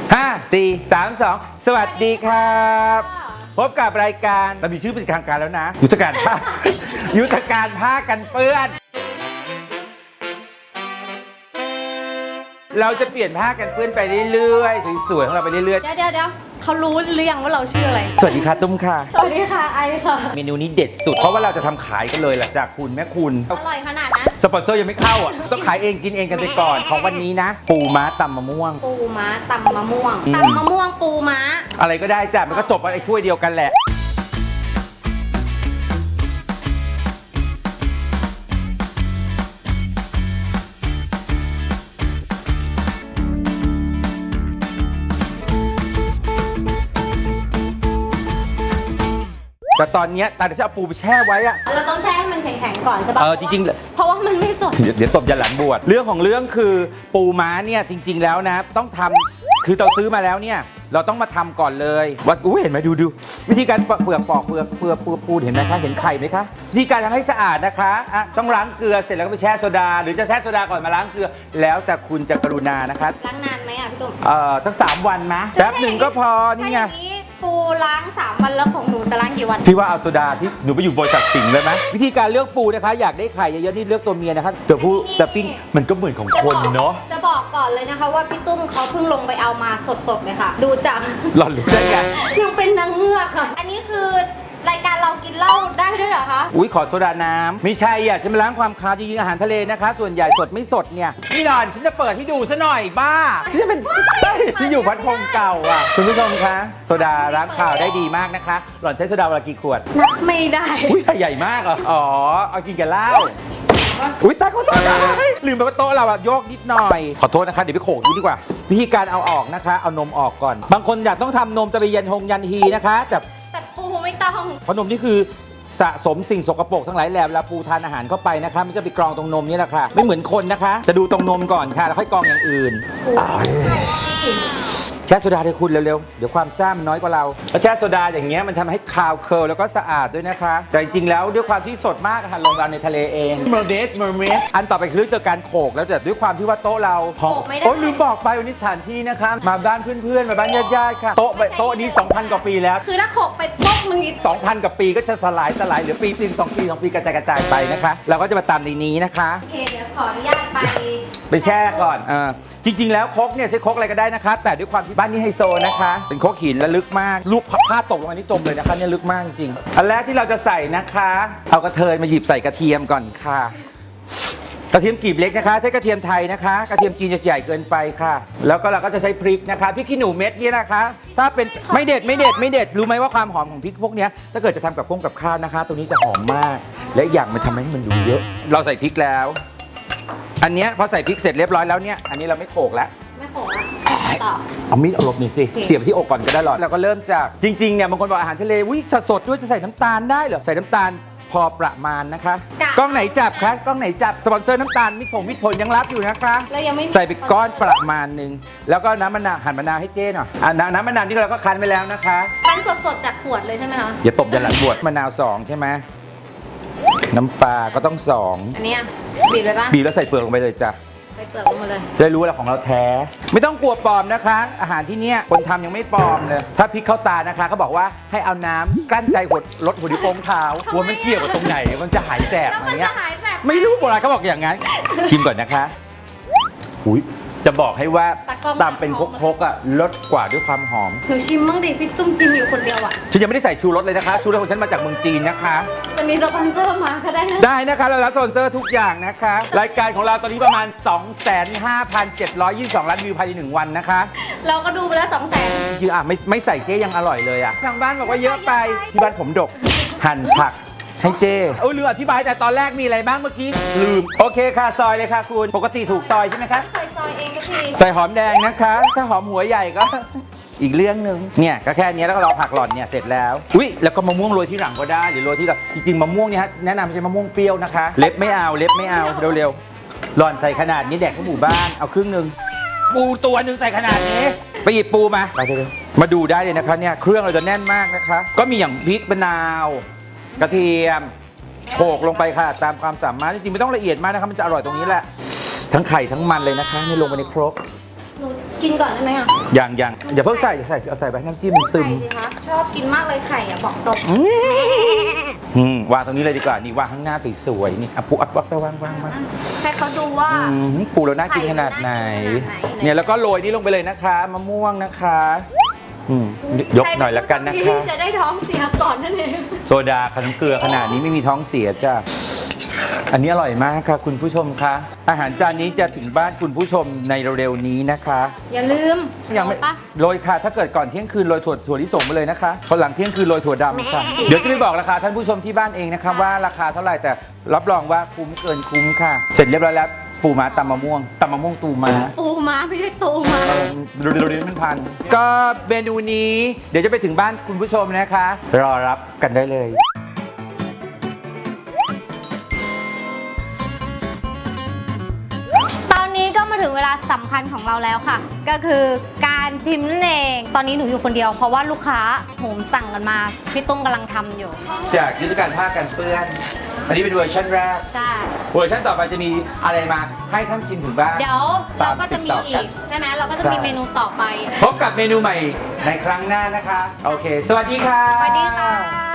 5 4 3 2 สวัสดีครับพบกับรายการเรามีชื่อเป็นทางการแล้วนะยุทธการผ้า ยุทธการผ้ากันเปื้อนเราจะเปลี่ยนผ้ากันเปื้อนไปเรื่อยๆสวยๆของเราไปเรื่อยเดี๋ยวเขารู้หรือยังว่าเราชื่ออะไรๆสวัสดีค่ะตุ้มค่ะสวัสดีค่ะไอค่ะเมนูนี้เด็ดสุดเพราะว่าเราจะทำขายกันเลยหลังจากคุณแม่คุณอร่อยขนาดนั้นสปอนเซอร์ยังไม่เข้าอ่ะต้องขายเองกินเองกันไปก่อนของวันนี้นะปูม้าตำมะม่วงปูม้าตำมะม่วงตำมะม่วงปูม้าอะไรก็ได้จ้ะมันก็จบไอ้ถ้วยเดียวกันแหละแต่ตอนนี้ตาจะเอาปูไปแช่ไว้อะเราต้องแช่ให้มันแข็งๆก่อนใช่ปะจริงๆเพราะว่ามันไม่สดเดี๋ยวตบยันหลังบวชเรื่องของเรื่องคือปูม้าเนี่ยจริงๆแล้วนะต้องทำคือเราซื้อมาแล้วเนี่ยเราต้องมาทำก่อนเลยว่าเห็นไหมดูวิธีการเปลือกปอกเปลือกปูเห็นไหมคะเห็นไข่ไหมคะวิธีการทำให้สะอาดนะคะต้องล้างเกลือเสร็จแล้วก็ไปแช่โซดาหรือจะแช่โซดาก่อนมาล้างเกลือแล้วแต่คุณจะกรุณานะคะล้างนานไหมอ่ะพี่ตุ้มทั้ง3 วันนะแป๊บหนึ่งก็พอนี่ไงปูล้าง3 วันแล้วของหนูจะล้างกี่วันพี่ว่าเอาโซดาที่หนูไปอยู่บริษัทสิงห์เลยไหมวิธีการเลือกปูนะคะอยากได้ไข่เยอะๆนี่เลือกตัวเมียนะคะเดี๋ยวผู้จะปิ้งมันก็เหมือนของคนเนาะจะบอกก่อนเลยนะคะว่าพี่ตุ้มเขาเพิ่งลงไปเอามาสดๆเลยค่ะดูจากหล่อนรู้ได้ไงยังเป็นนางเงือกค่ะอันนี้คือรายการเรากินเหล้าได้ด้วยเหรอคะอุ้ยขอโซดาน้ำไม่ใช่อ่ะจะมาล้างความคาวจริงๆอาหารทะเลนะคะส่วนใหญ่สดไม่สดเนี่ยนี่หล่อนฉันจะเปิดให้ดูซะหน่อยบ้าที่จะเป็นที่อยู่พัดพงเก่าอ่ะคุณผู้ชมคะโซดาล้างคาวได้ดีมากนะคะหล่อนใช้โซดาวันละกี่ขวดนับไม่ได้อุ้ยใหญ่มากอ่ะอ๋อเอากินกับเหล้าอุ้ยตายขอโทษนะลืมไปว่าโต๊ะเราอะโยกนิดหน่อยขอโทษนะคะเดี๋ยวไปโขกดูดีกว่าวิธีการเอาออกนะคะเอานมออกก่อนบางคนอยากต้องทำนมจะไปยันฮีนะคะแต่ปูไม่ต้องเพราะนมนี่คือสะสมสิ่งสกปรกทั้งหลายแหล่เวลาปูทานอาหารเข้าไปนะคะมันจะไปกรองตรงนมนี่แหละค่ะไม่เหมือนคนนะคะจะดูตรงนมก่อนค่ะแล้วค่อยกรองอย่างอื่นแช่โซดาเลยคุณเร็วๆเดี๋ยวความซ่ามันน้อยกว่าเราแช่โซดาอย่างเงี้ยมันทำให้คาวเคิร์ลแล้วก็สะอาดด้วยนะคะแต่จริงๆแล้วด้วยความที่สดมากค่ะลงเราในทะเลเองเมอร์เมดอันต่อไปคือเรื่องการโขกแล้วแต่ด้วยความที่ว่าโต๊ะเราโอ้ลืมบอกไปวันนี้สถานที่นะคะมาบ้านเพื่อนๆมาบ้านญาติๆค่ะโต๊ะนี้ 2,000 กว่าปีแล้วคือถ้าโขกไปป๊อกมึงอีก 2,000 กว่าปีก็จะสลายเหลือปีนึง2 ปีกระจายไปนะคะเราก็จะมาตามในนี้นะคะโอเคเดี๋ยวขออนุญาตไปแช่ก่อนจริงๆแล้วครกเนี่ยใช้ครกอะไรก็ได้นะคะแต่ด้วยความที่บ้านนี้ไฮโซนะคะเป็นครกหินและลึกมากลูกผ้าตกลงมานี่จมเลยนะคะเนี่ยลึกมากจริงอันแรกที่เราจะใส่นะคะเอากระเทยมาหยิบใส่กระเทียมก่อนค่ะกระเทียมกลีบเล็กนะคะใช้กระเทียมไทยนะคะกระเทียมจีนจะใหญ่เกินไปค่ะแล้วก็เราก็จะใช้พริกนะคะพริกขี้หนูเม็ดนี่นะคะถ้าเป็นไม่เด็ดรู้ไหมว่าความหอมของพริกพวกนี้ถ้าเกิดจะทำกับข้าวนะคะตัวนี้จะหอมมากและอย่างมันทำให้มันดูเยอะเราใส่พริกแล้วอันนี้พอใส่พริกเสร็จเรียบร้อยแล้วเนี่ยอันนี้เราไม่โขกแล้วไม่โขกแล้วต่อเอามีดเอาลบหน่อยสิเสียบที่อกก่อนก็ได้หรอแล้วก็เริ่มจากจริงๆเนี่ยบางคนบอกอาหารทะเลวิสดด้วยจะใส่น้ำตาลได้เหรอใส่น้ำตาลพอประมาณนะคะกล้องไหนจับคะกล้องไหนจับสปอนเซอร์น้ำตาลมิตรผลยังรับอยู่นะคะใส่ไปก้อนประมาณนึงแล้วก็น้ำมะนาวหั่นมะนาวให้เจ๊หน่อยน้ำมะนาวที่เราก็คั้นไปแล้วนะคะคั้นสดๆจากขวดเลยใช่ไหมคะอย่าตบยันหลังบวชมะนาว2ใช่ไหมน้ำปลาก็ต้อง2 อันนี้บีบเลยปะบีบแล้วใส่เปลือกลงไปเลยจ้ะใส่เปลือกลงมาเลยได้รู้ว่าของเราแท้ไม่ต้องกลัวปลอมนะคะอาหารที่เนี้ยคนทำยังไม่ปลอมเลยถ้าพริกเข้าตานะคะเขาบอกว่าให้เอาน้ำกลั้นใจลดหัวดิโป้งเท้าหัวมันเกี่ยวกับตรงไหนมันจะหายแสบอะไรเงี้ยไม่รู้โบราณเขาบอกอย่างนั้นชิมก่อนนะคะอุ้ยจะบอกให้ว่าตำเป็นครกอ่ะลดกว่าด้วยความหอมหนูชิมมั่งดิพี่จุ้มจิ้มอยู่คนเดียวอ่ะฉันยังไม่ได้ใส่ชูรสเลยนะคะชูรสของฉันมาจากเมืองจีนนะคะจะมีสปอนเซอร์มาก็ได้นะคะเรารับสปอนเซอร์ทุกอย่างนะคะรายการของเราตอนนี้ประมาณ 25,722 ล้านวิวภายใน1 วันนะคะเราก็ดูไปแล้ว200,000 คือไม่ใส่เจ๊ยังอร่อยเลยอ่ะทางบ้านบอกว่าเยอะไปที่บ้านผมดกหั่นผักให้เจ้ลืมอธิบายแต่ตอนแรกมีอะไรบ้างเมื่อกี้ลืมโอเคค่ะซอยเลยค่ะคุณปกติถูกซอยใช่ไหมคะซอยเองก็ทีใส่หอมแดงนะคะถ้าหอมหัวใหญ่ก็อีกเรื่องนึงเนี่ยก็แค่นี้แล้วก็รอผักหล่อนเนี่ยเสร็จแล้วอุ้ยแล้วก็มะม่วงโรยที่หลังก็ได้หรือโรยที่หลังจริงๆมะม่วงเนี่ยแนะนำใช้มะม่วงเปรี้ยวนะคะเล็บไม่เอาเร็วๆหล่อนใส่ขนาดนี้แดกทั้งหมู่บ้านเอาครึ่งนึงปูตัวนึงใส่ขนาดนี้ไปหยิบปูมามาดูได้เลยนะคะเนี่ยเครื่องเราจะแน่นมากนะคะก็มีอย่างพริกมะนาวกระเทียมโขกลงไปค่ะตามความสามารถจริงๆไม่ต้องละเอียดมากนะคะมันจะอร่อยตรงนี้แหละทั้งไข่ทั้งมันเลยนะคะนี่ลงไปในครกหนูกิกินก่อนได้ไหมอ่ะยังอย่าเพิ่งใส่เอาใส่ไปน้ำจิ้มมันซึมไข่สิคะชอบกินมากเลยไข่อ่ะบอกตรงวางตรงนี้เลยดีกว่านี่วางข้างหน้าสวยๆนี่อ่ะปูอัดวักไปวางให้เขาดูว่าปูเราน่ากินขนาดไหนไข่มันน่ากินขนาดไหนเนี่ยแล้วก็โรยนี่ลงไปเลยนะคะมะม่วงนะคะยกหน่อยละกันนะคะใรเป็ผู้โชดีจะได้ท้องเสียก่อนนั่นเองโซดาขนมเกลือขนาดนี้ไม่มีท้องเสียจ้ะอันนี้อร่อยมากค่ะคุณผู้ชมคะอาหารจานนี้จะถึงบ้านคุณผู้ชมในเร็วๆนี้นะคะอย่าลืมยังไม่ปะโรยค่ะ ถ้าเกิดก่อนเที่ยงคืนโรยถั่วลิสงไปเลยนะคะพอหลังเที่ยงคืนโรยถั่วดำค่ะเดี๋ยวจะไปบอกราคาท่านผู้ชมที่บ้านเองนะคะว่าราคาเท่าไหร่แต่รับรองว่าคุ้มเกินคุ้มค่ะ เสร็จเรียบร้อยแล้วปูม้าตำมะม่วงตูม้าปูม้าไม่ใช่ตูม้าเร็วๆมันพันก็เมนูนี้เดี๋ยวจะไปถึงบ้านคุณผู้ชมนะคะ รอรับกันได้เลยตอนนี้ก็มาถึงเวลาสำคัญของเราแล้วค่ะ ก็คือการชิมนั่นเอง ตอนนี้หนูอยู่คนเดียวเพราะว่าลูกค้าโหมสั่งกันมาพี่ตุ้มกำลังทำอยู่จากยุทธการผ้ากันเปื้อน อันนี้เป็นเวอร์ชันแรกใช่เวอร์ชันต่อไปจะมีอะไรมาให้ท่านชิมถึงบ้านเดี๋ยวเราก็จะมีตามติดต่ออีกักนใช่ไหมเราก็จะมีใช่เมนูต่อไปพบกับเมนูใหม่ในครั้งหน้านะคะ โอเค สวัสดีค่ะสวัสดีค่ะ